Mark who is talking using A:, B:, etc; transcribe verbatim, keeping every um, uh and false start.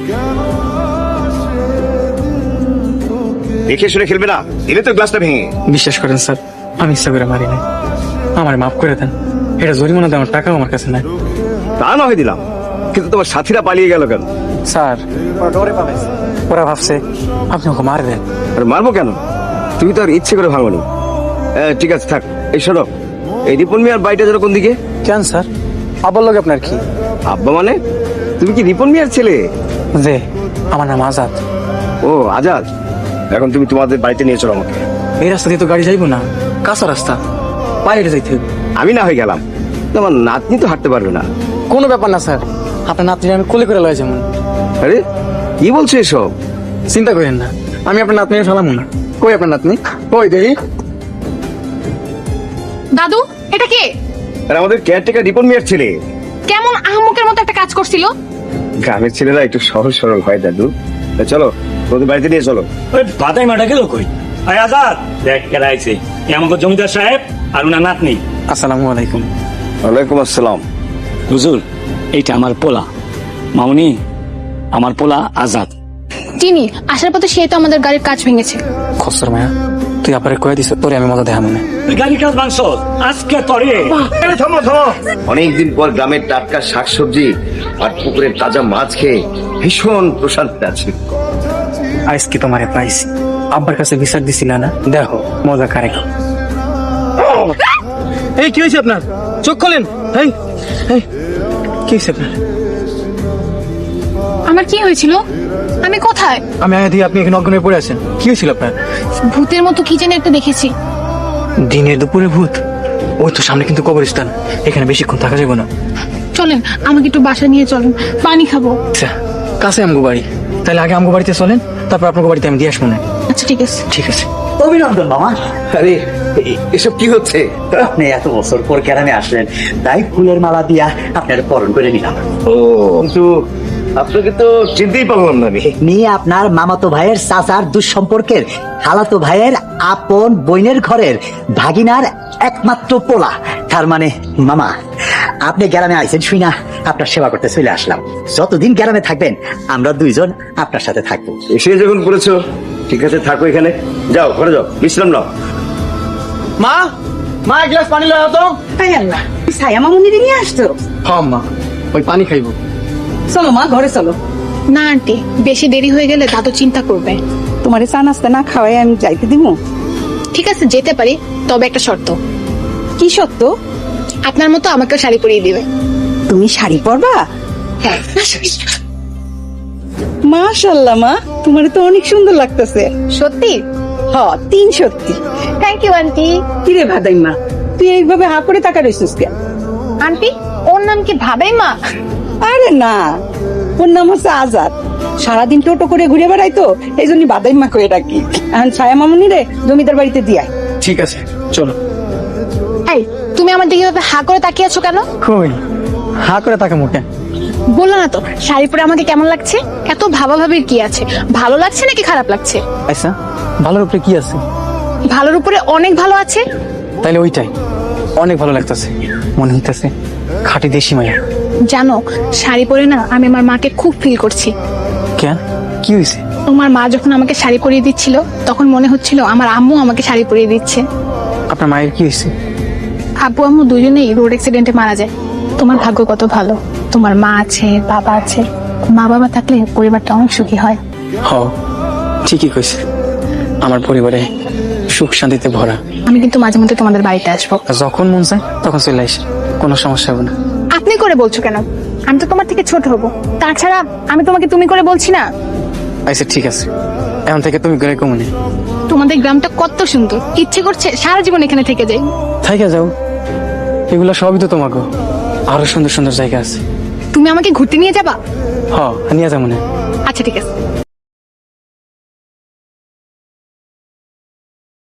A: দেখে শুনে খেলবে না, দিলে তো গ্লাসটা ভেঙে।
B: বিশ্বাস করেন স্যার, আমি ইচ্ছা করে মারি নাই। আমার মাফ করে দেন, এটা জরিমানা দেওয়ার টাকাও আমার কাছে নাই।
A: তা না হয় দিলাম, কিন্তু তোমার সাথীরা পালিয়ে গেল কেন?
B: স্যার ওরা ডরে পালাইছে, ওরা ভাবছে আপনি ওকে মার দেন।
A: আর মারবো কেন? তুমি তো আর ইচ্ছে করে ভাঙনি। ঠিক আছে থাক। এই শোনো, এই রিপন মিয়ার বাড়িটা যেন কোন দিকে?
B: কেন স্যার, আবার লোক আপনার কি?
A: আব্বা মানে তুমি কি রিপন মিয়ার ছেলে?
B: যে আমার নাম আজাদ।
A: ও আজাদ, এখন তুমি তোমাদের বাড়িতে নিয়ে চলো আমাকে।
B: এই রাস্তা দিয়ে তো গাড়ি যাইবো না, কাঁচা রাস্তা, পায়ে হেঁটে যাইতে হবে।
A: আমি না হয়ে গেলাম, তোমার নাতনি তো হাঁটতে পারবে না।
B: কোনো ব্যাপার না স্যার, আপনার নাতনি আমি কোলে করে লয় যেমন।
A: আরে কি বলছো এসব?
B: চিন্তা করেন না, আমি আপনার নাতনি ফেলাম না। কই আপনার নাতনি, কই দেখি।
C: দাদু, এটা কে?
A: আর আমাদের কেয়ারটেকার রিপন মিয়ার ছেলে।
C: কেমন আহমকের মতো একটা কাজ করছিল।
A: গ্রামের ছেলেরা একটু সহজ সরল হয় দাদু। তা চলো তোদের বাড়িতে নিয়ে চলো।
D: ওই বাদাই মাটা গেল কই? আয় আজাদ, দেখ কেডা আইছে। এ আমাকে জমিদার সাহেব আর উনার নাতনি।
B: আসসালামু আলাইকুম।
A: ওয়ালাইকুম আসসালাম।
D: হুজুর, এইটা আমার পোলা মামুনি, আমার পোলা আজাদ।
C: চিনি, আসার পথে সে তো আমাদের গাড়ির কাজ ভেঙেছে।
B: খসর মায়া, তুই আপারে কয়ে দিস তোরে আমি মজা দেখা মনে।
D: তুই গাড়ি কাজ মাংস আজকে তরে।
A: থামো থামো। অনেকদিন পর গ্রামের টাটকা শাকসবজি আর পুকুরের তাজা মাছ খেয়ে ভীষণ প্রশান্তি আছে।
B: আজকে তোমারে পাইছি, আব্বার কাছে বিচার দিছিল না, দেখো মজা কারে। এই কি হয়েছে আপনার? চোখ খোলেন। এই এই কি হয়েছে আপনার?
C: আমার কি হয়েছিল? আমি কোথায়?
B: আমি আয়া দিয়ে আপনি এখানে অজ্ঞান হয়ে পড়ে আছেন। কি হয়েছিল আপনার?
C: ভূতের মতো কি যেন একটা দেখেছি।
B: দিনের দুপুরে ভূত? ওই তো সামনে কিন্তু কবরস্থান, এখানে বেশিক্ষণ থাকা যাবে না।
C: চলেন, আমাকে একটু বাসা নিয়ে চলেন, পানি খাবো।
B: আচ্ছা, কাছে আমগো বাড়ি, তাহলে আগে আমগো বাড়িতে চলেন, তারপর আপনার বাড়িতে আমি দিয়ে আসবো না।
C: আচ্ছা ঠিক আছে।
B: ঠিক আছে।
E: অভিনন্দন মামা,
A: আরে এ- এসব কি হচ্ছে?
E: আপনি এত বছর পর গ্রামে আসলেন, তাই ফুলের মালা দিয়া আপনার বরণ করে নিলাম।
A: ও কিন্তু আপনাকে তো চিনতেই পারলাম না আমি।
E: নিয়ে আপনার মামাতো ভাইয়ের চাচার দুঃসম্পর্কের খালাতো ভাইয়ের আপন বইনের ঘরের ভাগিনার একমাত্র পোলা। তার মানে মামা, আপনি গ্রামে আইছেন শুই না আপনার সেবা করতে চলে আসলাম। যতদিন গ্রামে থাকবেন আমরা দুইজন আপনার সাথে থাকবো।
A: এসে যখন করেছো, ঠিক আছে থাকো এখানে। যাও ঘরে যাও, বিশ্রাম নাও।
B: মা, মা এক গ্লাস পানি লাও তো।
F: তাই আল্লাহ, ছায়া মামুনিরে নিয়ে আসতো।
B: হ্যাঁ মা, ওই পানি খাইবো।
F: চলো মা, ঘরে চলো।
C: না আন্টি, বেশি দেরি হয়ে গেলে দাদু চিন্তা করবে।
F: তোমারে চা নাস্তা না খাওয়াই আমি যাইতে দিব?
C: ঠিক আছে যেতে পারি, তবে একটা শর্ত।
F: কি সত্য?
C: আপনার মতো আমাকে শাড়ি পরিয়ে দিবে।
F: তুমি শাড়ি পরবা?
C: হ্যাঁ।
F: মাশাআল্লাহ মা, তোমারে তো অনেক সুন্দর লাগতেছে।
C: সত্যি?
F: হ, তিন সত্যি।
C: Thank you aunty.
F: কিরে ভাদাই মা, তুই এইভাবে হা করে তাকা রইছিস কেন?
C: আন্টি, ওর নাম কি ভাবেই মা?
F: আরে না, ওর নাম হচ্ছে আজাদ। সারাদিন টোটো করে ঘুরে বেড়াইতো, এই জন্য বাদাই মা করে ডাকি। এখন ছায়া মামুনি রে জমিদার বাড়িতে দিয়াই।
B: ঠিক আছে চলো।
C: এই, তুমি আমার দিকে এভাবে হা করে তাকিয়ে আছো কেন?
B: কই হা করে তাকে মুখে?
C: বললো না তো শাড়ি পরে আমাকে কেমন লাগছে? এত ভাবা ভাবির কি আছে? ভালো লাগছে নাকি খারাপ লাগছে?
B: আচ্ছা, ভালোর উপরে কি আছে?
C: ভালোর উপরে অনেক ভালো আছে।
B: তাইলে ওইটাই অনেক ভালো লাগতেছে, মনে হইতেছে খাঁটি দেশি মায়া।
C: জানো, শাড়ি পরে না আমি আমার মাকে খুব ফিল করছি।
B: কেন, কি হয়েছে?
C: তোমার মা যখন আমাকে শাড়ি পরিয়ে দিচ্ছিল, তখন মনে হচ্ছিল আমার আম্মু আমাকে শাড়ি পরিয়ে দিচ্ছে।
B: আপনার মায়ের কি হয়েছে?
C: আব্বু আম্মু দুজনেই রোড অ্যাক্সিডেন্টে মারা যায়। তোমার ভাগ্য কত ভালো, তোমার মা আছে, বাবা আছে। মা বাবা থাকলে পরিবারটা অনেক সুখী হয়।
B: হ, ঠিকই কইছে, আমার পরিবারে সুখ শান্তিতে ভরা।
C: আমি কিন্তু মাঝে মধ্যে তোমাদের বাড়িতে আসবো।
B: আর যখন মন চায় তখন চলে আসে, কোনো সমস্যা হবে না।
C: আপনি করে বলছো কেন? আমি তো তোমার থেকে ছোট হব। তাছাড়া আমি তোমাকে তুমি করে বলছি না।
B: আচ্ছা ঠিক আছে, এখন থেকে তুমি করে কমনে।
C: তোমাদের গ্রামটা কত সুন্দর, ইচ্ছে করছে সারা জীবন এখানে থেকে যাই।
B: থাইকা যাও, এগুলা সবই তো তোমাকে। আরো সুন্দর সুন্দর জায়গা আছে।
C: তুমি আমাকে ঘুরতে নিয়ে যাবা?
B: হ, নিয়ে যাবো না।
C: আচ্ছা ঠিক আছে।